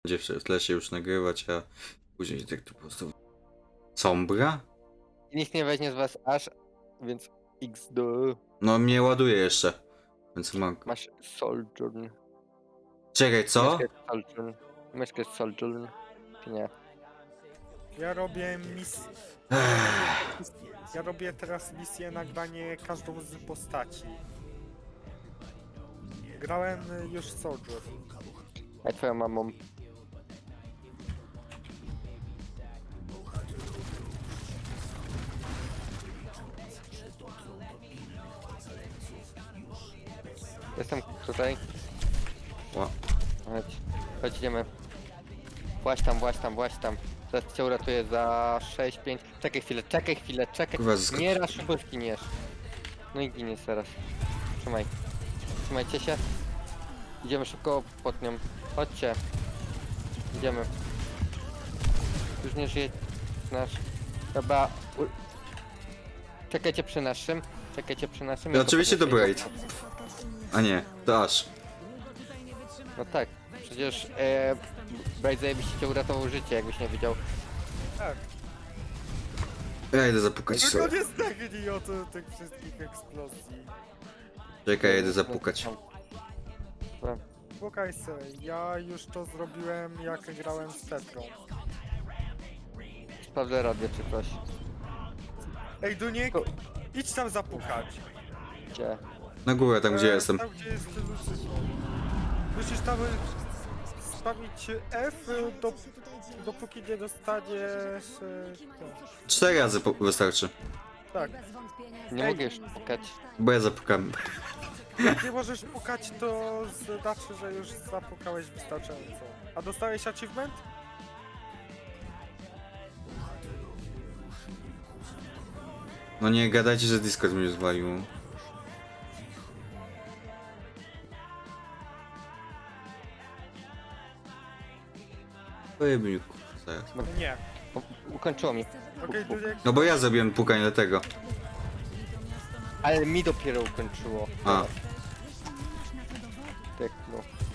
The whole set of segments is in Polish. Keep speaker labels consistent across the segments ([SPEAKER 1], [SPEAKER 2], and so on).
[SPEAKER 1] Będzie w tle się już nagrywać, a później tak tu po prostu... Sombra?
[SPEAKER 2] Nikt nie weźmie z was aż, więc XD.
[SPEAKER 1] No mnie ładuje jeszcze. Więc mam...
[SPEAKER 2] Masz Sojourn.
[SPEAKER 1] Czekaj, co?
[SPEAKER 2] Myszkę jest Sojourn. Myszkę jest Sojourn. Czy nie?
[SPEAKER 3] Ja robię misję. Ja robię teraz misję nagranie każdą z postaci. Grałem już Soldier.
[SPEAKER 2] A twoją mamą. Jestem tutaj.
[SPEAKER 1] Ła.
[SPEAKER 2] Chodź. Chodź, idziemy. Właź tam, właź tam, właź tam. Teraz cię uratuję za 6, 5. Czekaj chwilę, czekaj chwilę, czekaj.
[SPEAKER 1] Kurwa,
[SPEAKER 2] Nie raz szybko zginiesz. No i giniesz teraz. Trzymaj. Trzymajcie się. Idziemy szybko pod nią. Chodźcie. Idziemy. Już nie żyje nasz. Dobra. Czekajcie przy naszym. Czekajcie przy naszym.
[SPEAKER 1] No
[SPEAKER 2] Ja
[SPEAKER 1] oczywiście to
[SPEAKER 2] podnoszę
[SPEAKER 1] Braid. A nie, to aż.
[SPEAKER 2] No tak. Przecież Braid zajebiście cię uratował życie, jakbyś nie widział.
[SPEAKER 3] Tak.
[SPEAKER 1] Ja idę zapukać
[SPEAKER 3] Tylko
[SPEAKER 1] sobie.
[SPEAKER 3] nie zdechnij od tych wszystkich eksplozji.
[SPEAKER 1] Czekaj, ja idę zapukać.
[SPEAKER 2] Dobra.
[SPEAKER 3] Słuchaj se, ja już to zrobiłem jak grałem z Tetrą.
[SPEAKER 2] Sprawdzę radio czy coś.
[SPEAKER 3] Ej Duniek, idź tam zapukać.
[SPEAKER 2] Gdzie?
[SPEAKER 1] Na górę, tam gdzie
[SPEAKER 3] E,
[SPEAKER 1] jestem.
[SPEAKER 3] Tam gdzie jest Lucyfer. Musisz tam spamić F, dopóki nie dostaniesz... to.
[SPEAKER 1] 4 razy wystarczy.
[SPEAKER 3] Tak,
[SPEAKER 2] Nie
[SPEAKER 3] Ej.
[SPEAKER 2] mogę już pukać.
[SPEAKER 1] Bo ja zapukam.
[SPEAKER 3] jak nie możesz pukać, to znaczy, że już zapukałeś wystarczająco. A dostałeś achievement?
[SPEAKER 1] No nie gadajcie, że Discord mnie zwalił. Pojemniku, zaraz.
[SPEAKER 3] Nie.
[SPEAKER 2] Ukończyło mi.
[SPEAKER 3] Okej, Duniek,
[SPEAKER 1] No bo ja zrobiłem pukanie dlatego.
[SPEAKER 2] Ale mi dopiero ukończyło.
[SPEAKER 1] A.
[SPEAKER 2] Tak, no.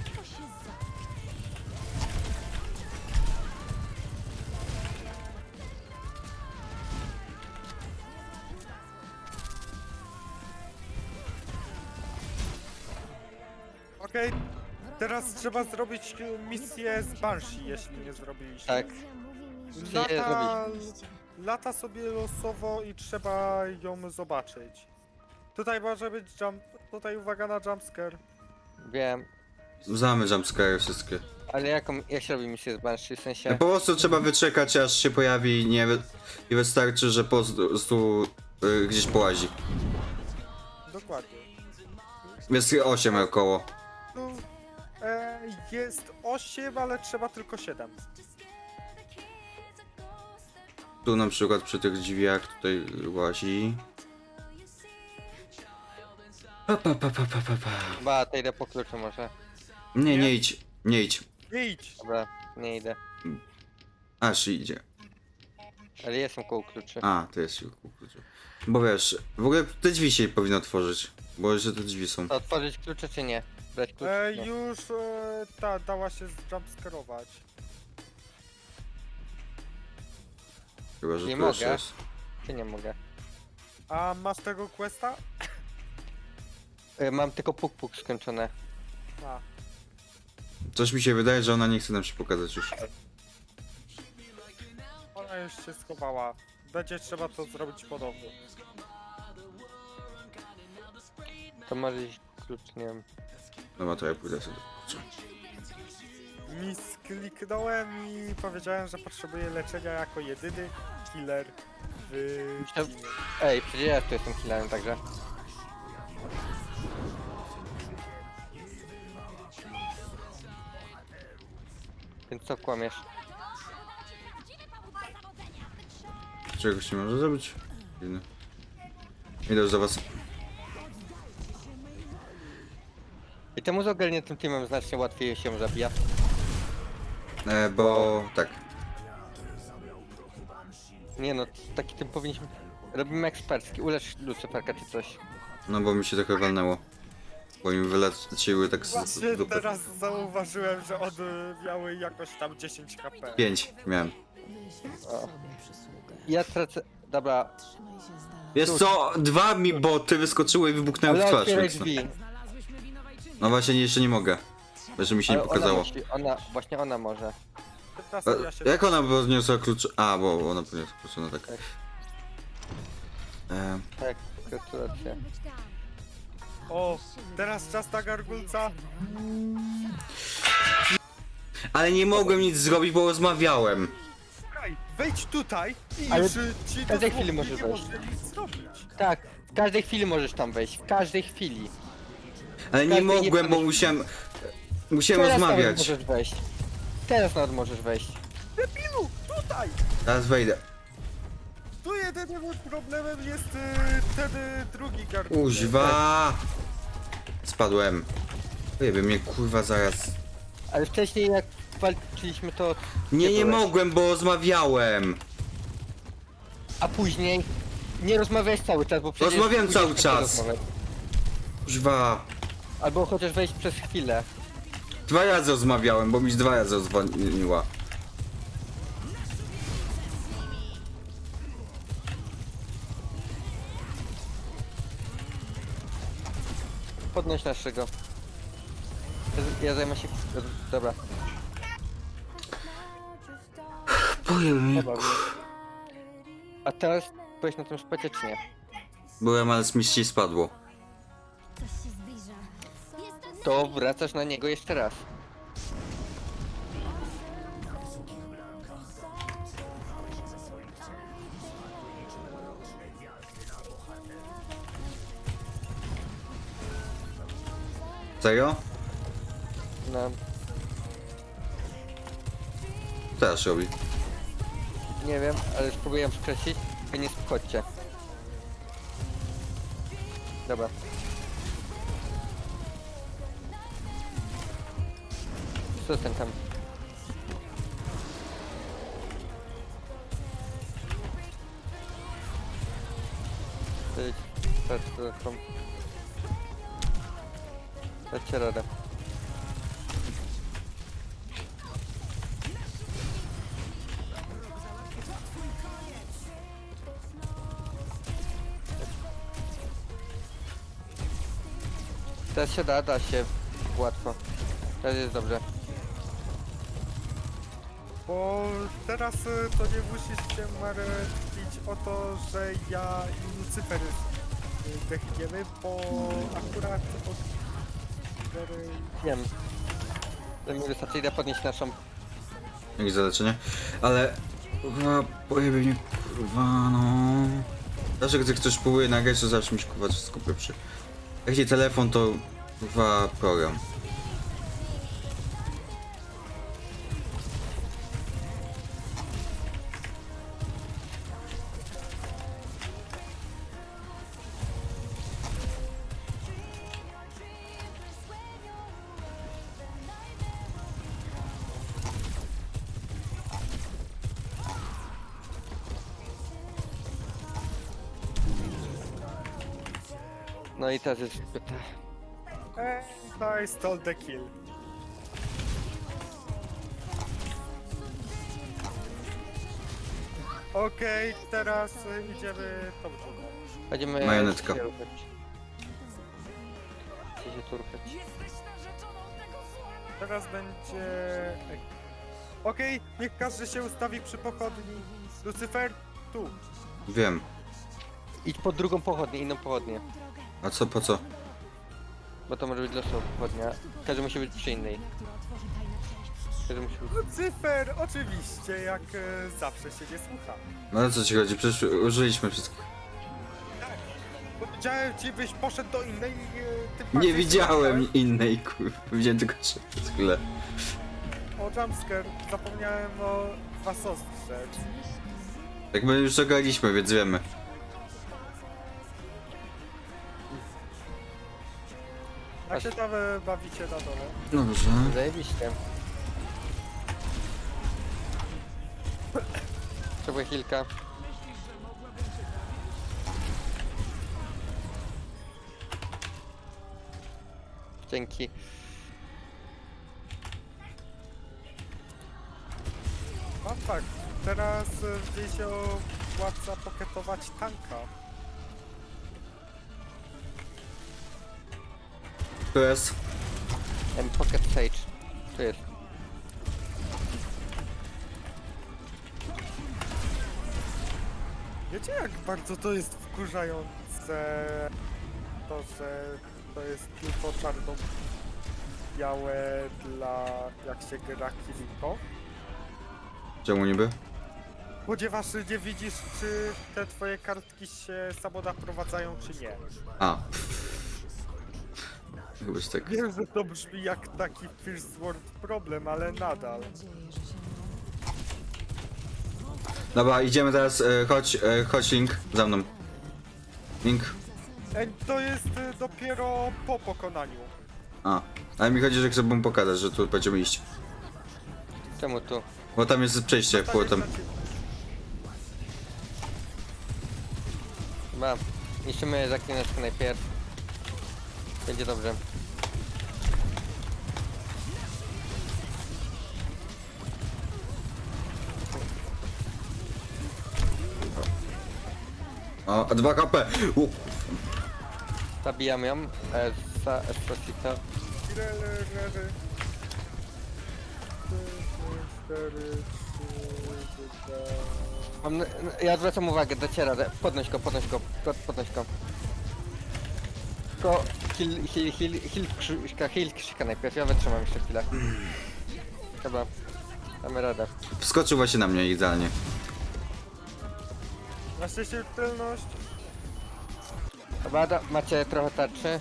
[SPEAKER 3] okej. Teraz trzeba zrobić misję z Banshee, jeśli nie zrobiliście.
[SPEAKER 2] Tak.
[SPEAKER 3] Lata sobie losowo i trzeba ją zobaczyć. Tutaj może być tutaj uwaga na jumpscare.
[SPEAKER 2] Wiem.
[SPEAKER 1] Znamy jumpscare wszystkie.
[SPEAKER 2] Ale jak się robi misję z Banshee? W
[SPEAKER 1] No
[SPEAKER 2] sensie...
[SPEAKER 1] po prostu trzeba wyczekać, aż się pojawi i nie i wystarczy, że po prostu gdzieś połazi.
[SPEAKER 3] Dokładnie.
[SPEAKER 1] Jest 8 około.
[SPEAKER 3] Tu jest 8, ale trzeba tylko 7.
[SPEAKER 1] Tu na przykład przy tych drzwiach tutaj łazi. Pa.
[SPEAKER 2] Chyba to idę po kluczu może.
[SPEAKER 1] Nie, nie idź. Nie idź.
[SPEAKER 3] Nie idź!
[SPEAKER 2] Dobra, nie idę.
[SPEAKER 1] Aż idzie.
[SPEAKER 2] Ale jestem koło kluczy.
[SPEAKER 1] A, to jest siłku. Bo wiesz, w ogóle te drzwi się powinno otworzyć. Bo jeszcze te drzwi są.
[SPEAKER 2] To otworzyć klucze czy nie? Brać klucz? Nie.
[SPEAKER 3] Już dała się jumpscarować.
[SPEAKER 1] Chyba, że
[SPEAKER 2] Nie
[SPEAKER 1] tu jeszcze
[SPEAKER 2] mogę.
[SPEAKER 1] jest.
[SPEAKER 2] Czy nie mogę?
[SPEAKER 3] A masz tego questa?
[SPEAKER 2] Mam tylko puk skończone.
[SPEAKER 3] A.
[SPEAKER 1] Coś mi się wydaje, że ona nie chce nam się pokazać już.
[SPEAKER 3] Ona już się schowała. Będzie trzeba to zrobić ponownie.
[SPEAKER 2] To może iść klucz, nie wiem.
[SPEAKER 1] Dobra, to ja pójdę sobie.
[SPEAKER 3] Kliknąłem i powiedziałem, że potrzebuję leczenia jako jedyny killer w
[SPEAKER 2] Myślałem-
[SPEAKER 3] teamie.
[SPEAKER 2] Ej, przecież ja tu jestem killerem także. Więc co kłamiesz?
[SPEAKER 1] Czegoś nie może zrobić? Dziwne. Idę już do was.
[SPEAKER 2] I temu z ogarniętym teamem znacznie łatwiej się zabija.
[SPEAKER 1] Bo tak.
[SPEAKER 2] Nie no, taki tym powinniśmy... Robimy ekspercki, ulecz Lucyferka czy coś.
[SPEAKER 1] No bo mi się trochę walnęło. Bo mi wyleciły tak z
[SPEAKER 3] Właśnie
[SPEAKER 1] dupy.
[SPEAKER 3] teraz zauważyłem, że one miały jakoś tam 10 HP.
[SPEAKER 1] 5 miałem.
[SPEAKER 2] O. Ja tracę... Dobra,
[SPEAKER 1] Wiesz co, 2 mi boty wyskoczyły i wybuchnęły w
[SPEAKER 2] ale
[SPEAKER 1] twarz.
[SPEAKER 2] otwieraj
[SPEAKER 1] Więc
[SPEAKER 2] drzwi.
[SPEAKER 1] no właśnie jeszcze nie mogę. Że mi się nie
[SPEAKER 2] Ale
[SPEAKER 1] pokazało.
[SPEAKER 2] Właśnie ona może.
[SPEAKER 3] Teraz ja się...
[SPEAKER 1] Jak ona podniosła klucz? A, bo ona podniosła klucz, no tak.
[SPEAKER 2] Tak.
[SPEAKER 1] E,
[SPEAKER 2] Tak, gratulacje.
[SPEAKER 3] O, teraz czas na gargulca.
[SPEAKER 1] ale nie mogłem nic zrobić, bo rozmawiałem.
[SPEAKER 3] Słuchaj, wejdź tutaj i
[SPEAKER 2] Ale
[SPEAKER 3] już ci
[SPEAKER 2] w każdej
[SPEAKER 3] dosłownie
[SPEAKER 2] chwili możesz
[SPEAKER 3] nie
[SPEAKER 2] wejść.
[SPEAKER 3] może nic zrobić.
[SPEAKER 2] Tak, w każdej chwili możesz tam wejść, w każdej chwili.
[SPEAKER 1] Ale nie
[SPEAKER 2] Każdy nie
[SPEAKER 1] mogłem, bo
[SPEAKER 2] pomyśl-
[SPEAKER 1] musiałem
[SPEAKER 2] Teraz nawet
[SPEAKER 1] rozmawiać.
[SPEAKER 2] możesz wejść. Teraz nawet możesz wejść.
[SPEAKER 3] Debilu, tutaj!
[SPEAKER 1] Teraz wejdę.
[SPEAKER 3] Tu jedynym problemem jest ten drugi gargulec.
[SPEAKER 1] Kuźwa! Spadłem. Ojeby mnie kurwa zaraz.
[SPEAKER 2] Ale wcześniej jak walczyliśmy to...
[SPEAKER 1] Nie
[SPEAKER 2] byłeś.
[SPEAKER 1] mogłem, bo rozmawiałem.
[SPEAKER 2] A później nie rozmawiałeś cały czas, bo przecież...
[SPEAKER 1] Rozmawiałem
[SPEAKER 2] później
[SPEAKER 1] cały
[SPEAKER 2] nie
[SPEAKER 1] czas.
[SPEAKER 2] rozmawiać.
[SPEAKER 1] Kuźwa.
[SPEAKER 2] Albo chociaż wejść przez chwilę.
[SPEAKER 1] 2 razy rozmawiałem, bo mi 2 razy dzwoniła.
[SPEAKER 2] Podnoś naszego. Ja zajmę się... Dobra.
[SPEAKER 1] Ojeby mnie.
[SPEAKER 2] Dobra. A teraz byłeś na tym szpecie czy nie?
[SPEAKER 1] Byłem, ale z miści spadło.
[SPEAKER 4] Coś się zbliża. Jest
[SPEAKER 2] To wracasz na niego jeszcze raz.
[SPEAKER 1] Serio?
[SPEAKER 2] No,
[SPEAKER 1] Co teraz robi?
[SPEAKER 2] nie wiem, ale spróbuję skreślić. Wy nie wchodźcie. Dobra. Co ten tam? Idź, patrz, tam. Dajcie radę. Teraz się da się łatwo. Teraz jest dobrze.
[SPEAKER 3] Bo teraz to nie musisz się martwić o to, że ja i Lucyfer dechniemy, bo akurat od...
[SPEAKER 2] Wiem. To mi wystarczy, idę podnieść naszą.
[SPEAKER 1] Jakieś zaleczenie? Ale... Kurwa, pojebie mnie, kurwa, no... Zawsze gdy ktoś próbuje nagrać, to zawsze mi się kurwa wszystko pieprzy. Jak nie telefon, to kurwa program.
[SPEAKER 2] No i teraz jest...
[SPEAKER 3] I stole the kill. Okej, teraz idziemy tą drugą.
[SPEAKER 2] Będziemy
[SPEAKER 1] Majonetka.
[SPEAKER 2] się ruchać. Chcę się turkać.
[SPEAKER 3] Teraz będzie... Okej, niech każdy się ustawi przy pochodni. Lucyfer, tu.
[SPEAKER 1] Wiem.
[SPEAKER 2] Idź pod drugą pochodnię, inną pochodnię.
[SPEAKER 1] A co, po co?
[SPEAKER 2] Bo to może być losowa pochodnia. Każdy musi być przy innej. Każdy musi być...
[SPEAKER 3] Lucyfer, oczywiście, jak zawsze się nie słucha.
[SPEAKER 1] No ale co ci chodzi? Przecież użyliśmy wszystkich.
[SPEAKER 3] Powiedziałem ci, byś poszedł do innej... tym
[SPEAKER 1] Nie
[SPEAKER 3] bardziej
[SPEAKER 1] widziałem innej, kurwa. Widziałem tylko trzy przez chwilę.
[SPEAKER 3] O jumpscare, zapomniałem o was ostrzec.
[SPEAKER 1] Tak my już zagraliśmy, więc wiemy.
[SPEAKER 3] Jak się tam bawicie na dole?
[SPEAKER 1] Dobrze.
[SPEAKER 2] Zajebiście. Potrzebuję chwilkę. Dzięki.
[SPEAKER 3] Mam fakt. Teraz gdzieś się opłaca poketować tanka.
[SPEAKER 1] Tu jest.
[SPEAKER 2] Pocket Sage. Tu jest.
[SPEAKER 3] Wiecie jak bardzo to jest wkurzające to, że to jest tylko czarno-białe dla jak się gra Kiriko?
[SPEAKER 1] Czemu niby?
[SPEAKER 3] Ponieważ nie widzisz, czy te twoje kartki się samo naprowadzają, czy nie.
[SPEAKER 1] A. Chybaś tak.
[SPEAKER 3] Wiem, że to brzmi jak taki first world problem, ale nadal.
[SPEAKER 1] Dobra, idziemy teraz, chodź Link, za mną. Link.
[SPEAKER 3] Ej, to jest dopiero po pokonaniu.
[SPEAKER 1] A. Ale mi chodzi, że chcę mu pokazać, że tu będziemy iść.
[SPEAKER 2] Czemu tu?
[SPEAKER 1] Bo tam jest przejście
[SPEAKER 3] Tam
[SPEAKER 1] płotem.
[SPEAKER 3] jest na ciebie.
[SPEAKER 2] Chyba niszczymy zaklineczkę najpierw. Będzie dobrze.
[SPEAKER 1] O, 2 HP.
[SPEAKER 2] Zabijam ją. Esposito.
[SPEAKER 3] Rery. 4, 3, 2...
[SPEAKER 2] Ja zwracam uwagę, dociera. Podnoś go. Podnoś go. Tylko heal krzyka najpierw. Ja wytrzymam jeszcze chwilę. Chyba. Damy radę.
[SPEAKER 1] Wskoczył właśnie na mnie idealnie.
[SPEAKER 3] Na szczęście tylność.
[SPEAKER 2] Dobra, macie trochę tarczy.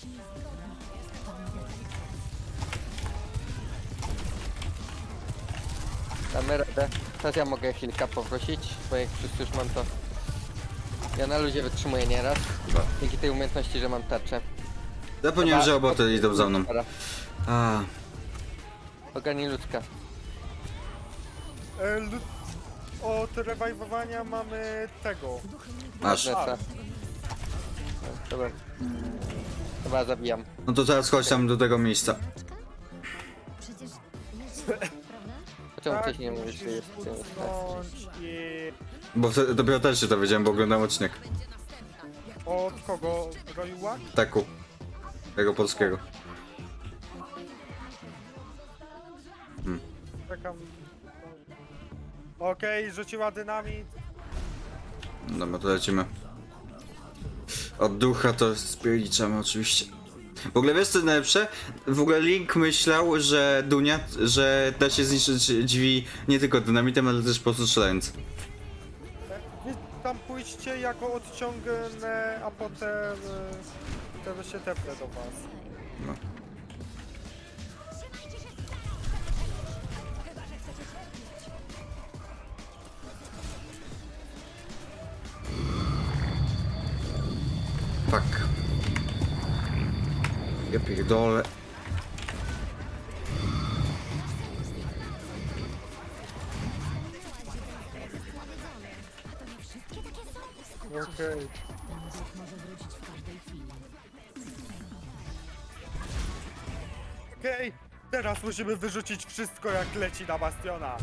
[SPEAKER 2] Damy radę. Teraz ja mogę chwilkę poprosić, bo jak wszyscy już mam to... Ja na luzie wytrzymuję nieraz. Dzięki tej umiejętności, że mam tarczę.
[SPEAKER 1] Zapomniałem,
[SPEAKER 2] Dobra,
[SPEAKER 1] że oboty idą za mną.
[SPEAKER 2] Dobra.
[SPEAKER 1] A.
[SPEAKER 2] Ogarnij ludzka.
[SPEAKER 3] Od rewajwowania mamy tego.
[SPEAKER 1] Masz.
[SPEAKER 2] Neta. Dobra. Dobra, zabijam.
[SPEAKER 1] No to teraz chodź tam do tego miejsca.
[SPEAKER 4] Przecież jest, prawda?
[SPEAKER 2] Czemu
[SPEAKER 3] Tak,
[SPEAKER 2] wcześniej nie mówisz, że
[SPEAKER 3] musisz
[SPEAKER 2] jest w tym?
[SPEAKER 3] usunąć i...
[SPEAKER 1] Bo dopiero też się to wiedziałem, bo oglądam odcinek.
[SPEAKER 3] Od kogo? Roiła?
[SPEAKER 1] Taku. Tego polskiego.
[SPEAKER 3] Czekam. Okej, rzuciła dynamit.
[SPEAKER 1] Dobra, to lecimy. Od ducha to spieliczamy oczywiście. W ogóle wiesz co najlepsze? W ogóle Link myślał, że Dunia, że da się zniszczyć drzwi nie tylko dynamitem, ale też po prostu strzelając.
[SPEAKER 3] Wy tam pójdźcie, ja go odciągnę, a potem wtedy się tepnę do was.
[SPEAKER 1] No. Fuck. Ja pierdolę.
[SPEAKER 3] Okej. Okej, teraz musimy wyrzucić wszystko jak leci na Bastiona.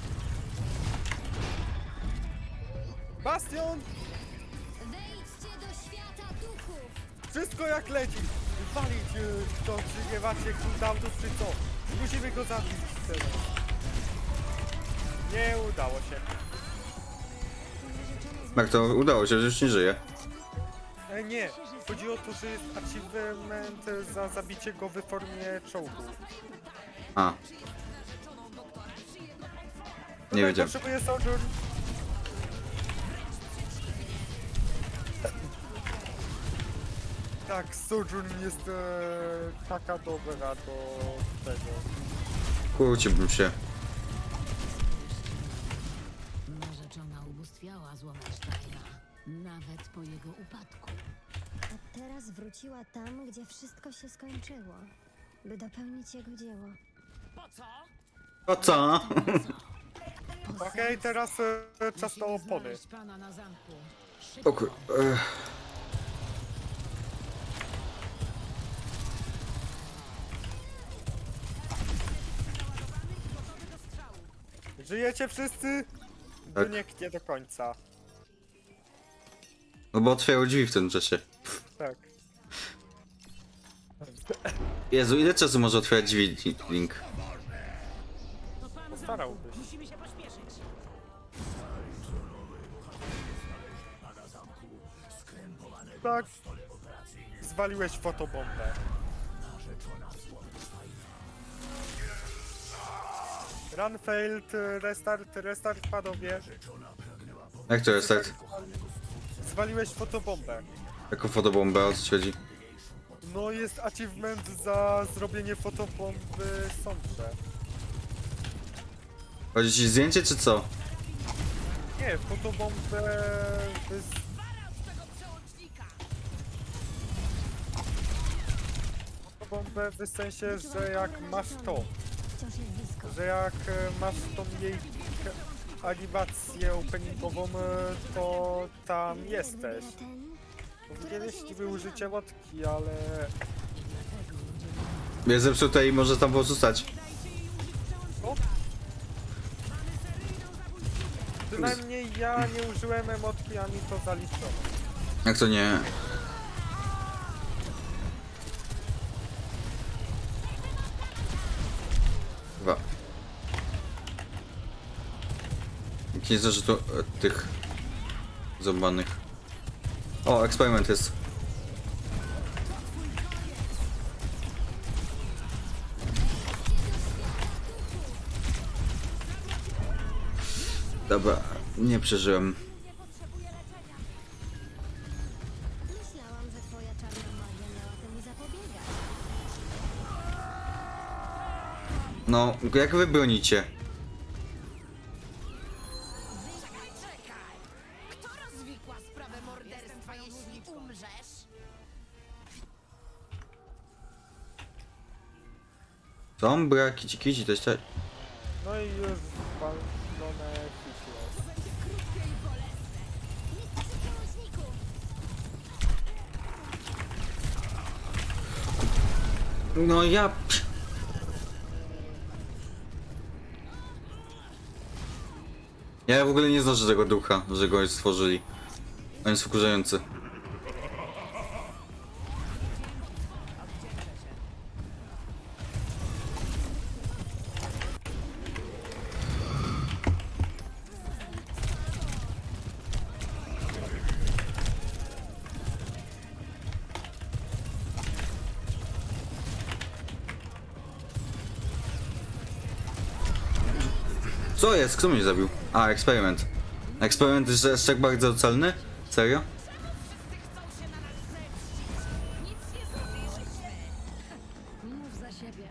[SPEAKER 3] Bastion!
[SPEAKER 4] Wejdźcie do świata duchów!
[SPEAKER 3] Wszystko jak leci! Walić to, czy nie macie cooldownów, czy co? Musimy go zabić teraz. Nie udało się.
[SPEAKER 1] Jak to udało się, że już nie żyje.
[SPEAKER 3] Nie, chodzi o to, że jest achievement za zabicie go w formie czołgu.
[SPEAKER 1] A. Nie wiedziałem.
[SPEAKER 3] Potrzebuję Sojourn. Tak, Sojourn jest taka dobra do tego.
[SPEAKER 1] Kłóciłbym się.
[SPEAKER 5] Narzeczona ubóstwiała Złomasztajna, nawet po jego upadku.
[SPEAKER 4] A teraz wróciła tam, gdzie wszystko się skończyło, by dopełnić jego dzieło.
[SPEAKER 1] O co?
[SPEAKER 3] Okej, teraz czas na opony.
[SPEAKER 5] Znaleźć pana na zamku.
[SPEAKER 1] O kur...
[SPEAKER 3] Żyjecie wszyscy?
[SPEAKER 1] Tak.
[SPEAKER 3] Dyniek nie do końca.
[SPEAKER 1] No bo otwierały drzwi w tym czasie.
[SPEAKER 3] Tak.
[SPEAKER 1] Jezu, ile czasu może otwierać drzwi, Link?
[SPEAKER 3] Postarałbyś. Tak. Zwaliłeś fotobombę. Run failed, restart panowie.
[SPEAKER 1] Jak to jest tak?
[SPEAKER 3] Zwaliłeś fotobombę.
[SPEAKER 1] Jaką fotobombę, o co ci chodzi?
[SPEAKER 3] No jest achievement za zrobienie fotobomby sądze.
[SPEAKER 1] Chodzi ci zdjęcie czy co?
[SPEAKER 3] Nie, fotobombę fotobombę w sensie, że jak masz to,
[SPEAKER 4] Wciąż jest blisko.
[SPEAKER 3] że jak masz tą jej animację openingową, to tam jesteś.
[SPEAKER 4] Gdyby nie ten,
[SPEAKER 3] Powinieneś niby użyć emotki, ale
[SPEAKER 1] Jest zepsute i może tam pozostać.
[SPEAKER 3] przynajmniej ja nie użyłem emotki, ani to zaliczono.
[SPEAKER 1] Jak to nie? Chyba. Nie że tu tych zobanych. O, eksperyment jest. Dobra, nie przeżyłem.
[SPEAKER 4] myślałam, że twoja czarna magia miała temu zapobiegać.
[SPEAKER 1] No, jak wy bronicie?
[SPEAKER 5] Kto rozwikła sprawę morderstwa, jeśli umrzesz?
[SPEAKER 1] Są braki, kici, to jest tak.
[SPEAKER 3] No i już walone hit jest.
[SPEAKER 1] No ja... Ja w ogóle nie znoszę tego ducha, że go stworzyli. On jest wkurzający. Co jest? Kto mnie zabił? A, eksperyment. Eksperyment jest tak bardzo celny? Serio?
[SPEAKER 5] Mów za siebie.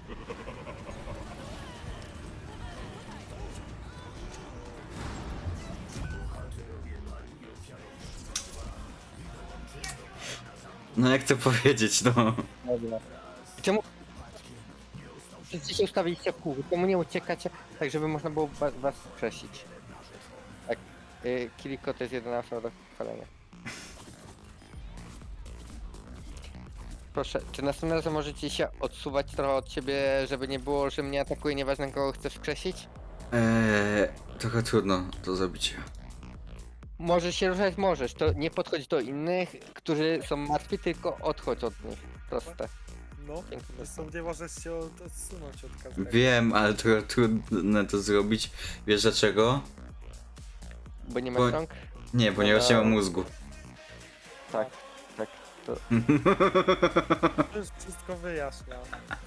[SPEAKER 1] No jak to powiedzieć, no.
[SPEAKER 2] Dobra. Czemu? Wszyscy się ustawiliście w kółku, czemu nie uciekacie, tak żeby można było was skrzesić? Tak, Kiriko to jest jedyna osoba do chwalenia. Proszę, czy następnym razem możecie się odsuwać trochę od siebie, żeby nie było, że mnie atakuje, nieważne kogo chcesz skrzesić?
[SPEAKER 1] Trochę trudno to zrobić.
[SPEAKER 2] Możesz się ruszać, możesz, to nie podchodź do innych, którzy są martwi, tylko odchodź od nich. Proste.
[SPEAKER 3] No,
[SPEAKER 2] Dziękuję.
[SPEAKER 3] zresztą nie możesz się odsunąć od każdego.
[SPEAKER 1] Wiem, ale trochę trudno to zrobić. Wiesz dlaczego?
[SPEAKER 2] Bo nie
[SPEAKER 1] Bo-
[SPEAKER 2] masz rąk?
[SPEAKER 1] Nie, ponieważ nie mam mózgu.
[SPEAKER 2] Tak, tak. To...
[SPEAKER 3] To już wszystko wyjaśnia.